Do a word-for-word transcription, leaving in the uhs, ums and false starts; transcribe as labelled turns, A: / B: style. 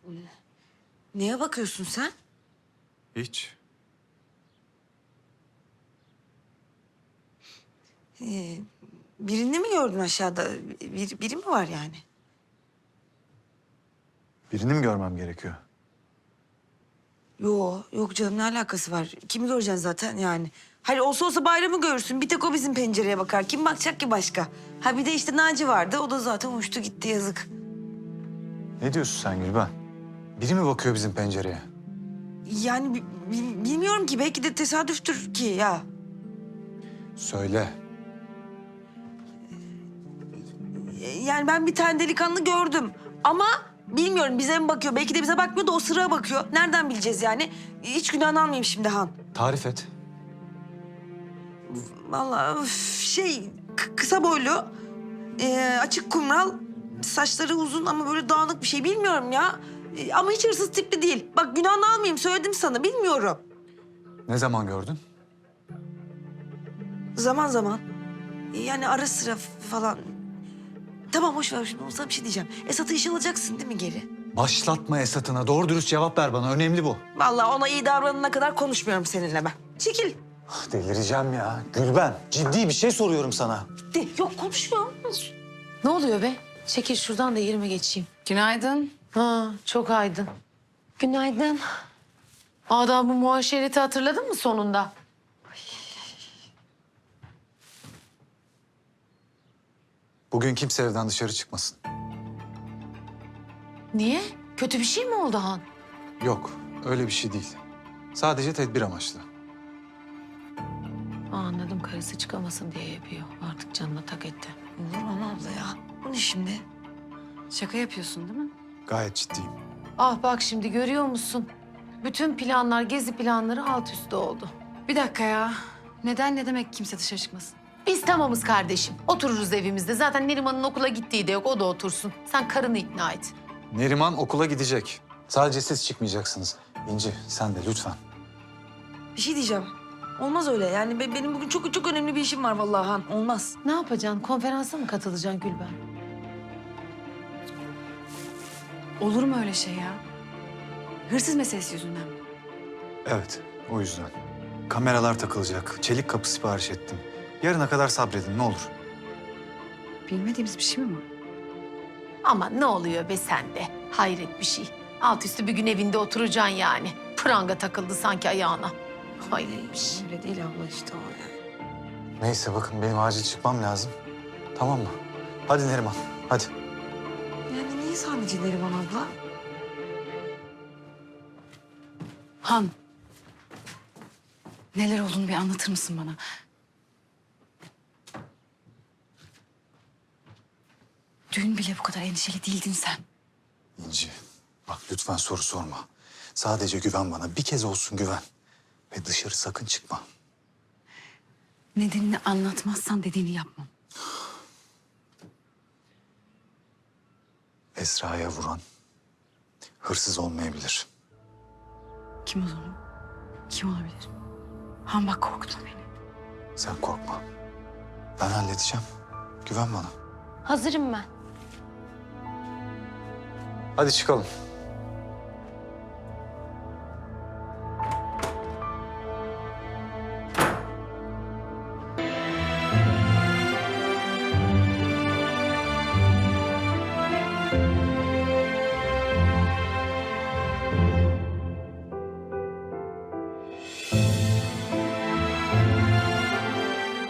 A: Neye bakıyorsun sen?
B: Hiç.
A: Ee, birini mi gördün aşağıda? Bir, biri mi var yani?
B: Birini mi görmem gerekiyor?
A: Yo, yok canım ne alakası var? Kimi göreceksin zaten yani? Hayır olsa olsa Bayram'ı görürsün. Bir tek o bizim pencereye bakar. Kim bakacak ki başka? Ha bir de işte Naci vardı. O da zaten uçtu gitti yazık.
B: Ne diyorsun sen Gülben? Biri mi bakıyor bizim pencereye?
A: Yani bi- bi- bilmiyorum ki. Belki de tesadüftür ki ya.
B: Söyle.
A: Ee, Yani ben bir tane delikanlı gördüm. Ama bilmiyorum bize mi bakıyor? Belki de bize bakmıyor da o sıraya bakıyor. Nereden bileceğiz yani? Hiç günahını almayayım şimdi Han.
B: Tarif et.
A: Vallahi üf, şey k- kısa boylu, e, açık kumral, saçları uzun ama böyle dağınık bir şey bilmiyorum ya. E, ama hiç hırsız tipli değil. Bak günahını almayayım söyledim sana bilmiyorum.
B: Ne zaman gördün?
A: Zaman zaman. E, yani ara sıra f- falan. Tamam boş ver şimdi sana bir şey diyeceğim. Esat'ı işe alacaksın değil mi geri?
B: Başlatma Esat'ına. Doğru dürüst cevap ver bana. Önemli bu.
A: Vallahi ona iyi davranana kadar konuşmuyorum seninle ben. Çekil.
B: Delireceğim ya. Gülben, ciddi bir şey soruyorum sana.
A: De, yok konuşmuyorum.
C: Ne oluyor be? Çekil şuradan da yerime geçeyim.
D: Günaydın.
C: Ha, çok aydın.
D: Günaydın.
C: Adamı muaşereti hatırladın mı sonunda?
B: Bugün kimse evden dışarı çıkmasın.
C: Niye? Kötü bir şey mi oldu Han?
B: Yok, öyle bir şey değil. Sadece tedbir amaçlı.
C: Aa, anladım, karısı çıkamasın diye yapıyor. Artık canına tak etti.
A: Olur mu abla ya? Bu ne şimdi?
D: Şaka yapıyorsun değil mi?
B: Gayet ciddiyim.
C: Ah bak şimdi görüyor musun? Bütün planlar, gezi planları alt üst oldu.
D: Bir dakika ya. Neden ne demek kimse dışarı çıkmasın?
C: Biz tamamız kardeşim. Otururuz evimizde. Zaten Neriman'ın okula gittiği de yok. O da otursun. Sen karını ikna et.
B: Neriman okula gidecek. Sadece siz çıkmayacaksınız. İnci, sen de lütfen.
A: Bir şey diyeceğim. Olmaz öyle. Yani be- benim bugün çok çok önemli bir işim var vallahi Han. Olmaz.
C: Ne yapacaksın? Konferansa mı katılacaksın Gülben?
D: Olur mu öyle şey ya? Hırsız meselesi yüzünden mi?
B: Evet, o yüzden. Kameralar takılacak. Çelik kapı sipariş ettim. Yarına kadar sabredin ne olur.
D: Bilmediğimiz bir şey mi var?
C: Ama ne oluyor be sende? Hayret bir şey. Alt üstü bir gün evinde oturacaksın yani. Pranga takıldı sanki ayağına. Hayret bir şey.
A: Öyle değil abla işte o yani.
B: Neyse bakın benim acil çıkmam lazım. Tamam mı? Hadi Neriman, hadi.
A: Yani niye sadece Neriman abla?
D: Han. Neler olduğunu bir anlatır mısın bana? Dün bile bu kadar endişeli değildin sen.
B: İnci, bak lütfen soru sorma. Sadece güven bana. Bir kez olsun güven. Ve dışarı sakın çıkma.
D: Nedenini anlatmazsan dediğini yapmam.
B: Esra'ya vuran hırsız olmayabilir.
D: Kim o zaman? Kim olabilir? Han bak korkutma beni.
B: Sen korkma. Ben halledeceğim. Güven bana.
C: Hazırım ben.
B: Hadi çıkalım.